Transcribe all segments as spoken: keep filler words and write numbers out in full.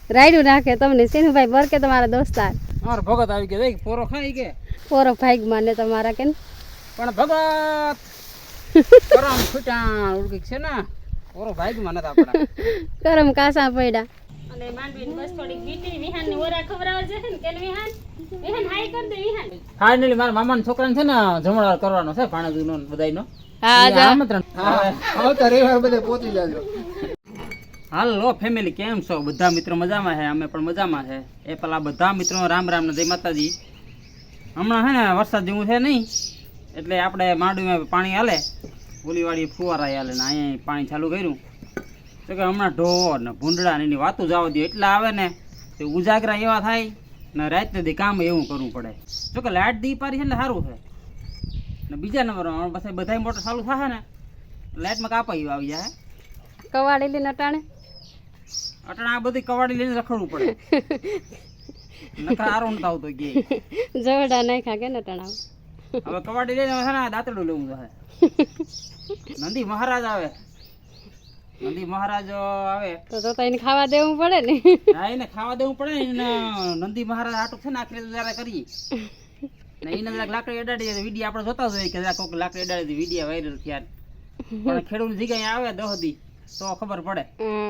રાયડું નાખે તમને સિનુભાઈ બર કે તમારા દોસ્તાર અમાર ભગત આવી ગયા દેખ પોરો ખાઈ કે પોરો ભાગ માને તમારા કે પણ ભગત કરમ છૂટા ઉડકી છે ને પોરો ભાગ માં નથી આપડા કરમ કાસા પડ્યા અને માંડવીને બસ થોડીક બીટી વિહાન ની ઓરા ખવરાવા છે ને કે વિહાન વિહાન હાઈ કર દે વિહાન ફાઇનલી મારા મામાના છોકરાને છે ને જમણવાર કરવાનો છે ભાણેજનો બધાયનો હા જા આમંત્રણ હા તો રવિવાર બધે પહોંચી જાજો. હાલો ફેમિલી કેમ છો બધા મિત્રો મજામાં છે અમે પણ મજામાં છે એ પેલા બધા મિત્રો રામ રામ ને જય માતાજી. હમણાં છે ને વરસાદ જેવું છે નહીં એટલે આપણે માંડવીમાં પાણી હાલે ઓલીવાળી ફુવારા હાલે ને અહીંયા પાણી ચાલુ કર્યું તો કે હમણાં ઢોર ને ભૂંડડા ને એની વાતું જવા દે એટલા આવે ને તે ઉજાગરા એવા થાય ને રાત દી કામ એવું કરવું પડે જો કે લાઇટ દી પારી છે એટલે સારું છે ને બીજા નંબર પછી બધા મોટર ચાલુ થશે ને લાઇટમાં કાપાઈ આવી જાય કવાડી લઈને અટાણે અટણા આ બધી કવાડી લઈને રખડવું પડે નકર આરો નતો આવતો કે જવડા નાખ્યા કે ને અટાણા હવે કવાડી લઈને છે ને દાંતડું લેવું છે નંદી મહારાજ આવે નંદી મહારાજ આવે તો તો એને ખાવા દેવું પડે ને હા એને ખાવા દેવું પડે ને નંદી મહારાજ આટું છે ને આખરે જરા કરીએ ને એને જરાક લાકડી અડાડી વિડીયો આપણે જોતા જોઈએ કે જરાક કોઈક લાકડી અડાડી વિડીયો વાયરલ થયા પણ ખેડૂત જગ્યાએ આવે દહ દી તો ખબર પડે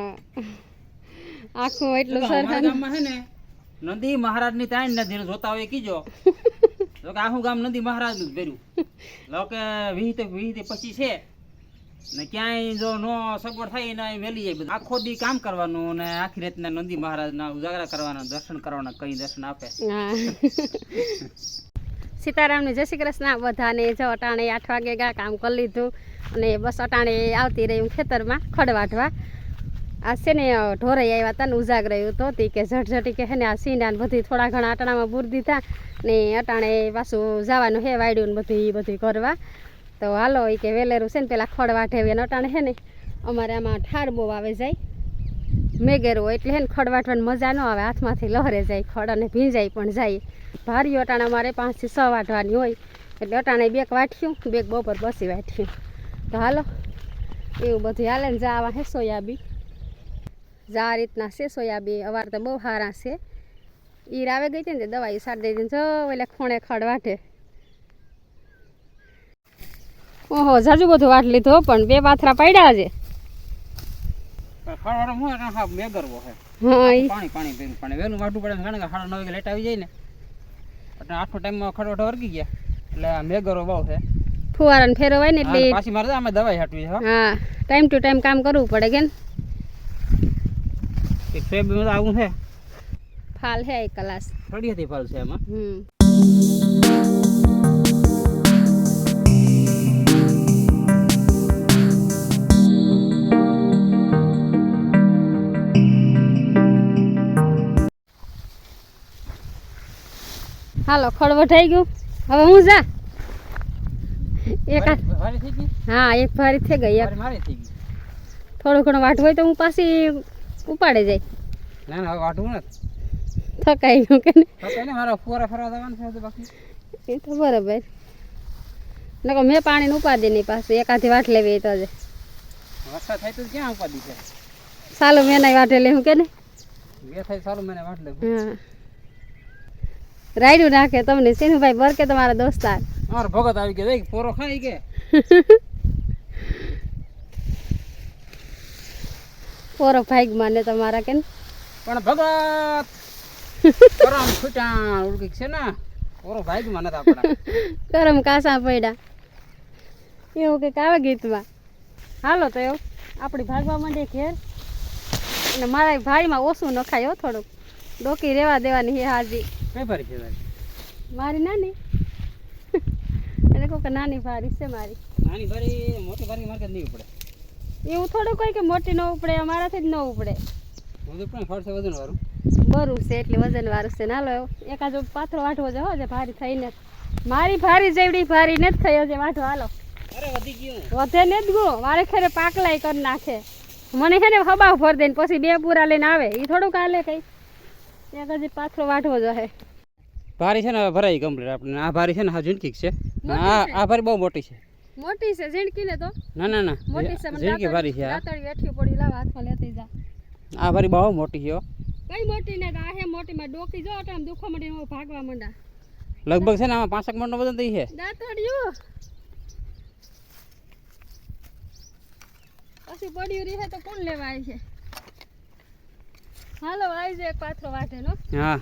આખું એટલું અમારા સરસ ગામમાં છે ને નંદી મહારાજ ની તાણ ને જેને જોતા હોય કીજો તો કે આખું ગામ નંદી મહારાજ નું જ ભર્યું લો કે વીસ થી વીસ થી પચીસ છે ને ક્યાંય જો નો સગવડ થાય ને વેલી જાય બધું આખો દી કામ કરવાનું ને આખી રાતના નંદી મહારાજ ના ઉજાગરા કરવાના દર્શન કરવાના કઈ દર્શન આપે. હા સીતારામને જય શ્રી કૃષ્ણ બધાને જો અટાણે આઠ વાગે ગા કામ કરી લીધું અને બસ અટાણે આવતી રહી હું ખેતરમાં ખડ વાઢવા. આ છે ને ઢોરાઈ આવ્યા હતા ને ઉજાગરાયું તો તે કે ઝટઝટી કે હે ને આ સીંડા ને બધી થોડા ઘણા અટાણામાં બૂર દીધા ને અટાણે પાછું જવાનું હે વાયડું ને બધી બધી કરવા તો હાલો એ કે વેલેરું છે ને પેલા ખડ વાઢે ને અટાણે હે ને અમારે આમાં ઠાર બહુ આવે જાય મેઘેરું હોય એટલે હે ને ખડ વાઢવાની મજા ન આવે હાથમાંથી લહરે જાય ખડ અને ભીંજાઈ પણ જાય ભારી અટાણા અમારે પાંચથી છ વાઢવાની હોય એટલે અટાણે બેક વાઠ્યું બેક બપોર બસી વાઠ્યું તો હાલો એવું બધું હાલે ને જા આવા હે સોયાબી જા આ રીતના છે સોયાબી અવાર તો બહુ સારા છે ઈર આવે ગઈ હતી ને દવા એ સાડી દઈ જો એટલે ખૂણે ખડ વાઢે. ઓહો જાજુ બધું વાટ લીધો પણ બે પાથરા પડ્યા છે. ખડવાનો હું એટલે હા મેગરવો છે હા ઈ પાણી પાણી પીવું પણ વહેલું વાટવું પડે કારણ કે સાડા નવ વાગે લેટ આવી જાય ને એટલે આઠો ટાઈમમાં ખડવાટો વર્ગી ગયા એટલે આ મેગરો બહુ છે ફુવારાને ફેરવાય ને એટલે પાછી મારે અમે દવાઈ હાટવી છે હા ટાઈમ ટુ ટાઈમ કામ કરવું પડે કે ને એક સોયાબીન આવું છે ફાલ હે એક કલાસ થોડી હતી ફળ છે એમાં. હમ હાલો ખડ વઢાઈ ગયું હવે હું જા એક આ- ભારી થઈ ગઈ હા એક ભારી થઈ ગઈ એક ભારી મારી થઈ ગઈ થોડું ઘણું વાટવું હોય તો હું પાછી ઉપાડે જાય ના ના હવે વાટવું નથી થકાઈ ગયું કે ને તો કઈ મારા ફુવારા ફરવા જવાનું છે તો બાકી એ તો બરાબર નકો મેં પાણીને ઉપાડી નહીં પાછું એકાથી વાટ લેવી એ તો જ વરસાદ થાય તો ક્યાં ઉપાધિ છે સાલું મેં નહીં વાટે લેવું કે ને બે થાય સારું મને વાટ લેવું હા રાયડું નાખે તમને સિનુભાઈ બર કે તમારા દોસ્તાર અમારો ભગત આવી ગયા દેખ પોરો ખાઈ કે પોરો ભાગ માને તમારા કે પણ ભગત કરમ છૂટા ઉડકી છે ને પોરો ભાઈ માં નથી આપડા ગરમ કાસા પડ્યા એવું કંઈક આવે ગીતમાં. હાલો તો એવું આપણી ભાગવા માંડે ઘેર અને મારા ભાઈમાં ઓછું નખાય હો થોડુંક ડોકી રહેવા દેવાની હે હાજી કઈ ભારી છે તારી? મારી નાની એટલે કહું કે નાની ભારી છે મારી નાની ભારી મોટી ભારી માર્કે નહીં ઉપડે એવું થોડું કોઈ કે મોટી ન ઉપડે અમારાથી જ ન ઉપડે બધું પણ ફરશે વજન વાળું બરું છે એટલે વજન વાળું છે નાલો એવું એકાદો પાથરો વાટવો છે હો જે ભારી થઈને મારી ભારી જેવડી ભારી નથી થઈ હશે વાટો હાલો અરે વધી ગયું વધે ને જ ગો વારે ખેરે પાકલાય કરી નાખે મને છે ને હબાવ ભર દે ને પછી બે પૂરા લઈને આવે એ થોડુંક હાલે કઈ એક હજી પાથરો વાટવો જોઈએ ભારી છે ને હવે ભરાઈ કમ્પ્લીટ આપણે આ ભારી છે ને હા ઝીણકી છે આ આ ભારી બહુ મોટી છે મોટી છે ઝીણકી ને તો ના ના ના મોટી છે મને ઝીણકી ભારી છે આ દાતડી વેઠી પડી લાવ હાથમાં લેતી જા આ ભારી બહુ મોટી છે હો. કઈ મોટી ને આ હે મોટી માં ડોકી જો અટામ દુખવા માંડી ને ભાગવા માંડા લગભગ છે ને આમાં પાંસઠ મણ નો વજન થઈ છે દાંતડિયું પછી પડ્યું રહે તો કોણ લેવા આવી છે હાલો આવી જાય એક પાથરો વાટે નો હા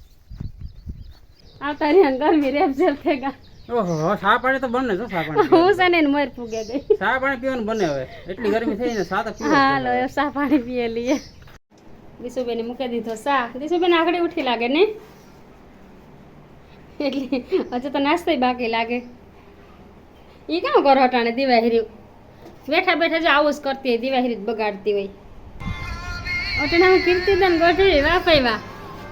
આવતા રહ્યા ગરમી રેપ જેપ થઈ ગયા ઓહો સા પાણી તો બને છો સા પાણી હું છે ને મર ફૂગે ગઈ સા પાણી પીવાનું બને હવે એટલી ગરમી થઈ ને સા તો પીવો હાલો એ સા પાણી પીએ લઈએ દિશુબેને મૂકી દીધો સા દિશુબેન આગળ ઉઠી લાગે ને એટલે હજુ તો નાસ્તો બાકી લાગે એ કામ કરો અટાણે દિવાહરી બેઠા બેઠા જો આવું જ કરતી હોય દિવાહરી જ બગાડતી હોય અટાણે હું કીર્તિદાન ગઢવી વાપાઈ વા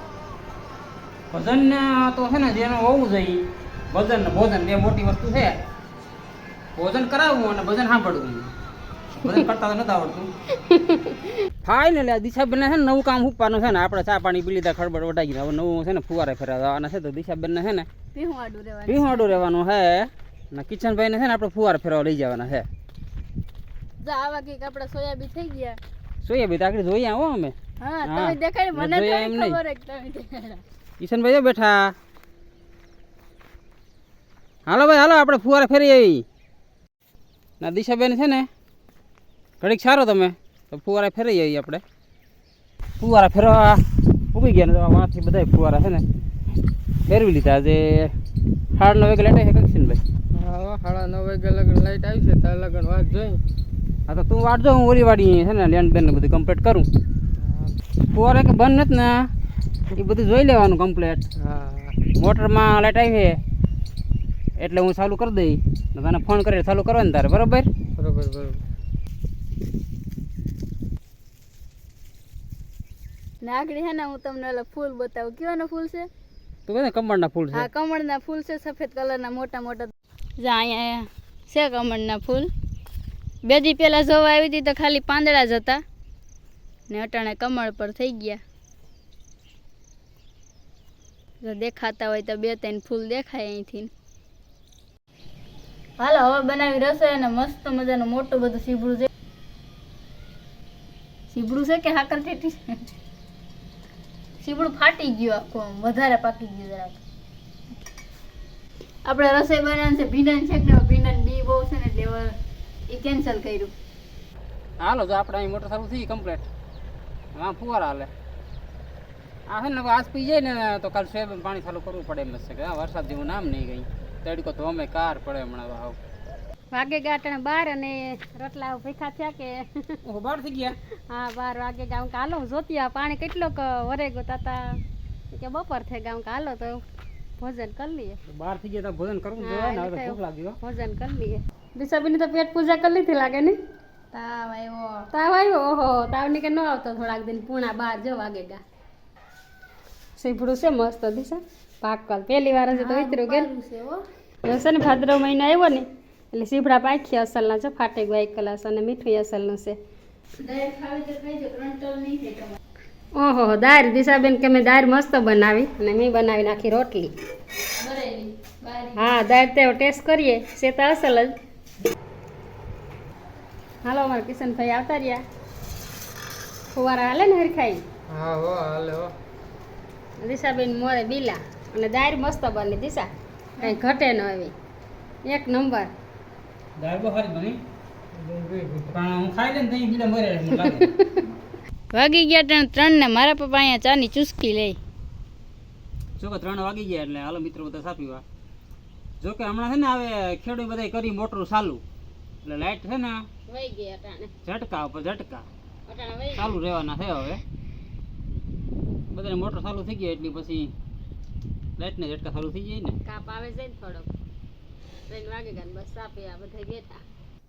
વજન તો છે ને જેનું હોવું જોઈએ વજન ને ભોજન બે મોટી વસ્તુ છે ભોજન કરાવવું અને ભજન સાંભળવું ભજન કરતા તો નથી આવડતું ફાઇનલી આ દિશાબેન છે ને નવું કામ ઉપવાનું છે ને આપણે ચા પાણી પી લીધા ખડબડ વટાઈ ગયા હવે નવું છે ને ફુવારે ફેરવવાના છે તો દિશાબેન ને છે ને પીહું રહેવાનું પીવાડું રહેવાનું છે ને કિચનભાઈ ને છે ને આપણે ફુવારે ફેરવા લઈ જવાના છે જો આવા કઈક આપડા સોયાબીન થઈ ગયા જોઈએ ભાઈ આગળ જોઈએ આવો અમે હા હા. તમે દેખાડી મને મેં જોયા એમ થોડી નહીં. ખબર છે કે તમે દેખાડ્યા. કિશનભાઈ જો બેઠા હાલો ભાઈ હાલો આપણે ફુવારે ફેરી આવી ના દિશાબેન છે ને ઘડીક સારો તમે તો ફુવારે ફેરી આવી આપણે ફુવારા ફેરવા ઉગી ગયા ને વાંથી બધા ફુવારા છે ને ફેરવી લીધા આજે સાડા નવ વાગે લેટ છે કિશનભાઈ હા સાડા નવ વાગે લગન લાઈટ આવી છે તાર લગન વાત જોઈ હા તો તું વાટજો હું ઓલી વાડી છે ને લેન્ડ બેન ને બધું કમ્પ્લીટ કરું ફુવારે કે બંધ નથી ને એ બધું જોઈ લેવાનું કમ્પ્લીટ હા મોટરમાં લાઈટ આવી છે એટલે હું ચાલુ કરી દઈ ને તને ફોન કરી ચાલુ કરવાનું તારે બરોબર બરોબર બરોબર નાગડી હે ને હું તમને ઓલા ફૂલ બતાવું કેવાના ફૂલ છે તું કહે ને કમળના ફૂલ છે આ કમળના ફૂલ છે સફેદ કલરના મોટા મોટા જા અહીંયા છે કમળના ફૂલ બે દી પહેલા જોવા આવી હતી તો ખાલી પાંદડા જ હતા ને અટાણે કમળ પર થઈ ગયા જો દેખાતા હોય તો બે ત્રણ ફૂલ દેખાય અહીંથી હાલો હવે બનાવી રસોઈ અને મસ્ત મજાનું મોટું બધું સીબડું છે સીબડું છે કે હાકર ટેટી છે સીબડું ફાટી ગયું આખું આમ વધારે પાકી ગયું જરાક આપણે રસોઈ બનાવવાનું છે ભીંડાને છે કે ભીંડાને બી બહુ છે ને એટલે હવે એ કેન્સલ કર્યું હાલો જો આપણે અહીં મોટર ચાલુ થઈ કમ્પ્લીટ હા ફુવારા હાલે આ છે ને હવે આજ પી જાય ને તો કાલ સોયાબીન પાણી ચાલુ કરવું પડે એમ જ છે કે હા વરસાદ જેવું નામ નહીં ગઈ તડકો તો અમે કાર પડે હમણાં હાવ વાગે ગાંઠણ બાર અને રોટલા ભેખા થયા કે ઓહો બાર થઈ ગયા હા બાર વાગે ગામ કે હાલો જોતી આ પાણી કેટલોક વરે ગયો તાતા કે બપોર થઈ ગામ કે હાલો તો ભોજન કરી લઈએ બાર થઈ ગયા તો ભોજન કરવું જોઈએ ને હવે તો ભૂખ લાગી હો ભોજન કરી લઈએ દિશાબેન તો પેટ પૂજા કરી લીધી લાગે ને તાવ આવ્યો તાવ આવ્યો ઓહો તાવ ની કે ન આવતો થોડાક દિન પૂણા બાર જો વાગે ગા સીભડું છે મસ્ત દિશા પાકલ પહેલી વાર હજી તો વિતરું ગયેલું છે છે ને ભાદરવ મહિનો આવ્યો ને એટલે સીભડા પાખી અસલના છે ફાટે ગયો એક કલાસ અને મીઠું અસલનું છે ઓહો દાળ દિશાબેન કે મેં દાળ મસ્ત બનાવી અને મેં બનાવી નાખી રોટલી હા દાળ તે ટેસ્ટ કરીએ છે તો અસલ જ હાલો અમારા કિશનભાઈ આવતા રહ્યા ફુવારા હાલે ને હરખાઈ હા હો હાલે હો દિશાબેન મોરે બીલા અને દાળ મસ્ત બની દિશા કઈ ઘટે ન આવી એક નંબર દાળ બહુ સારી બની પણ હું ખાઈ લઈને તઈ બીજા મરે મને લાગે વાગી ગયા ત્રણ ત્રણ ને મારા પપ્પા અહીંયા ચાની ચુસ્કી લે જો કે ત્રણ વાગી ગયા એટલે હાલો મિત્રો બધા સાપીવા જો કે હમણાં છે ને હવે ખેડૂત બધા કરી મોટર ચાલુ એટલે લાઈટ છે ને વહી ગયા અટાણે ઝટકા ઉપર ઝટકા અટાણે વહી ચાલુ રહેવાના છે હવે બધાને મોટર ચાલુ થઈ ગઈ એટલે પછી લાઈટને ઝટકા ચાલુ થઈ જાય ને કાપ આવે છે ને થોડોક ત્રણ વાગે ગયા ને બસ સાપી આ બધા બેઠા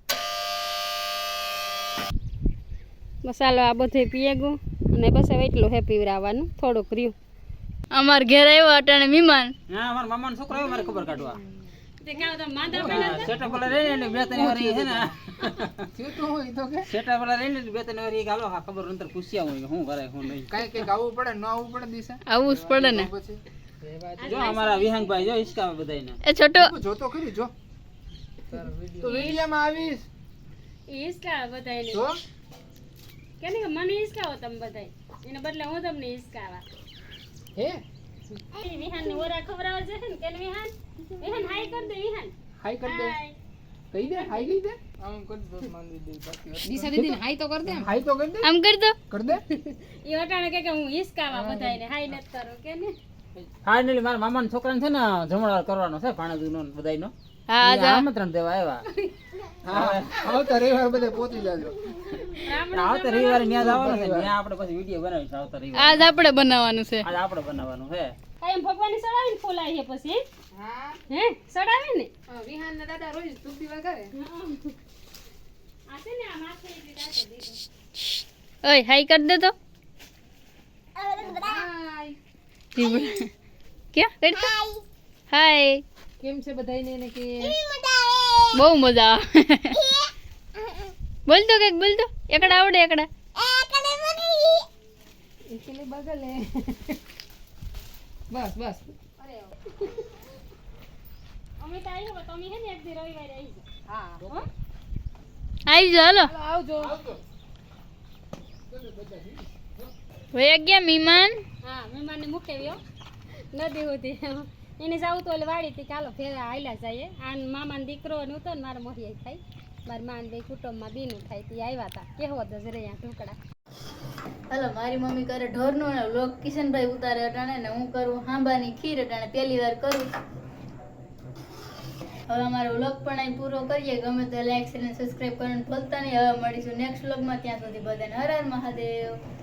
મસાલો આ બધે પીએ ગયું અને બસ હવે એટલું હે પીવરાવાનું થોડુંક રહ્યું અમાર ઘેર આવ્યો અટાણે મહેમાન હા અમારા મામાનો છોકરો આવ્યો મારે ખબર કાઢવા તે કાવ તો માંદા સેટઅપ વાળા રહી ને બે ત્રણ વાર છે ને શું તો હોય તો કે સેટઅપ વાળા રહી ને બે ત્રણ વાર હાલો હા ખબર અંતર પૂછ્યા હોય હું કરે હું નહીં કાંઈ કંઈક આવવું પડે ન આવવું પડે દિશા આવું જ પડે ને પછી જો અમારા વિહાંગભાઈ જો હિસકાવે બધાયને એ છોટો તું જોતો ખરી જો તો વિડીયોમાં આવીશ ઈસકા બધાય જો કેને મને ઈસકાવો તમે બધાય એને બદલે હું તમને હિસકાવા હે વિહાન ની ઓરા ખવડાવવા છે ને કેન વિહાન વિહાન હાઈ કર દે વિહાન હાઈ કર દે હાય કહી દે હાઈ કહી દે આમ કર દો માનવી દે બાકી દિશા દીદી હાઈ તો કર દે હાઈ તો કર દે આમ કરી દો કર દે ઈ અટાણે કે કે હું હિસકાવા બધાયને હાઈ નત કરું કે ને ફાઇનલી મારા મામાના છોકરાને છે ને જમણવાર કરવાનો છે ભાણેજનો ને બધાયનો હા ઈ આમંત્રણ દેવા આવ્યા હા આવતા રવિવાર બધે પહોંચી જાજો આવતા રવિવારે ન્યા જવાનું છે ત્યાં આપણે પછી વિડીયો બનાવીશું આવતા રવિવારે આજ આપણે બનાવવાનું છે આજ આપણે બનાવવાનું છે કાયમ ભગવાનની સડાવીને ફૂલાય છે પછી હા હે સડાવે ને વિહાન ના દાદા રોજ ધૂપ દીવા કરે આ છે ને આ માથે ઈ રાતે દીધો ઓય હાઈ કરી દે તો હાય ક્યાં કરી દો હાય કેમ છે બધાયને ને કે બહુ મજા આવે બોલ તો કંઈક બોલ તો એકડા આવડે એકડા એકલે બગલે બસ બસ અમે તો આવ્યો તો તમે હે ને એક દી રવિવારે આવી જાઓ હા હો આવી જાઓ હાલો ચાલો આવજો ભાઈ ગયા મહેમાન હા મહેમાનને મૂકેવ્યો નદી સુધી એને જાવું તો ઓલે વાડી થી ચાલો ફેરા આયલા જઈએ આન મામાનો દીકરો ને ઉતો ને મારા મોહિયા થાય મારા માન બે કુટુંબમાં બીનું થાય તે આવ્યા હતા કેવો હતો જરે અહીંયા ઢોકળા હાલો મારી મમ્મી કરે ઢોરનો ને લોક કિશનભાઈ ઉતારે અટાણે ને હું કરું હાંબાની ખીર અટાણે પહેલી વાર કરું હવે અમારો વ્લોગ પણ અહીં પૂરો કરીએ ગમે તો લાઈક શેર અને સબસ્ક્રાઈબ કરવાનું ભૂલતા નહીં હવે મળીશું નેક્સ્ટ વ્લોગમાં ત્યાં સુધી બધાને હર હર મહાદેવ